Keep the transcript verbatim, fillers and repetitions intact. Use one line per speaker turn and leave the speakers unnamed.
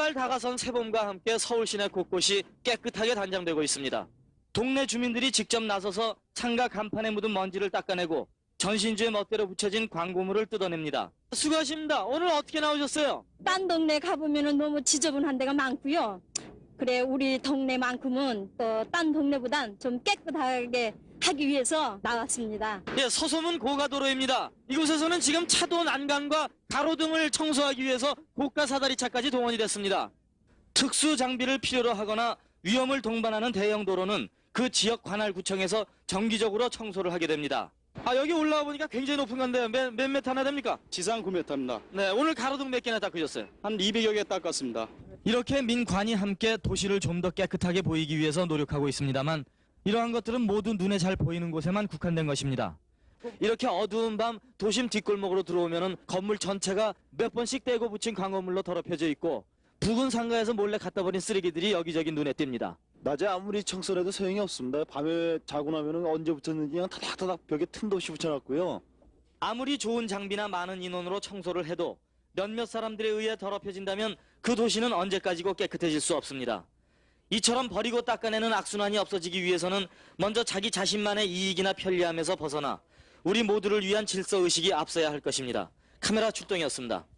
한발 다가선 새봄과 함께 서울 시내 곳곳이 깨끗하게 단장되고 있습니다. 동네 주민들이 직접 나서서 창가 간판에 묻은 먼지를 닦아내고 전신주에 멋대로 붙여진 광고물을 뜯어냅니다. 수고하십니다. 오늘 어떻게 나오셨어요?
딴 동네 가보면 너무 지저분한 데가 많고요. 그래 우리 동네만큼은 또 딴 동네보단 좀 깨끗하게 하기 위해서 나왔습니다.
예, 서소문 고가도로입니다. 이곳에서는 지금 차도 난간과 가로등을 청소하기 위해서 고가 사다리차까지 동원이 됐습니다. 특수 장비를 필요로 하거나 위험을 동반하는 대형 도로는 그 지역 관할구청에서 정기적으로 청소를 하게 됩니다. 아, 여기 올라와 보니까 굉장히 높은 건데요. 몇, 몇 미터나 됩니까?
지상 구 미터입니다.
네, 오늘 가로등 몇 개나 닦으셨어요?
한 이백여 개 닦았습니다.
이렇게 민관이 함께 도시를 좀 더 깨끗하게 보이기 위해서 노력하고 있습니다만 이러한 것들은 모두 눈에 잘 보이는 곳에만 국한된 것입니다. 이렇게 어두운 밤 도심 뒷골목으로 들어오면은 건물 전체가 몇 번씩 떼고 붙인 광고물로 더럽혀져 있고 부근 상가에서 몰래 갖다 버린 쓰레기들이 여기저기 눈에 띕니다.
낮에 아무리 청소를 해도 소용이 없습니다. 밤에 자고 나면은 언제 붙였는지 그냥 타닥타닥 벽에 틈도 없이 붙여놨고요.
아무리 좋은 장비나 많은 인원으로 청소를 해도 몇몇 사람들에 의해 더럽혀진다면 그 도시는 언제까지고 깨끗해질 수 없습니다. 이처럼 버리고 닦아내는 악순환이 없어지기 위해서는 먼저 자기 자신만의 이익이나 편리함에서 벗어나 우리 모두를 위한 질서의식이 앞서야 할 것입니다. 카메라 출동이었습니다.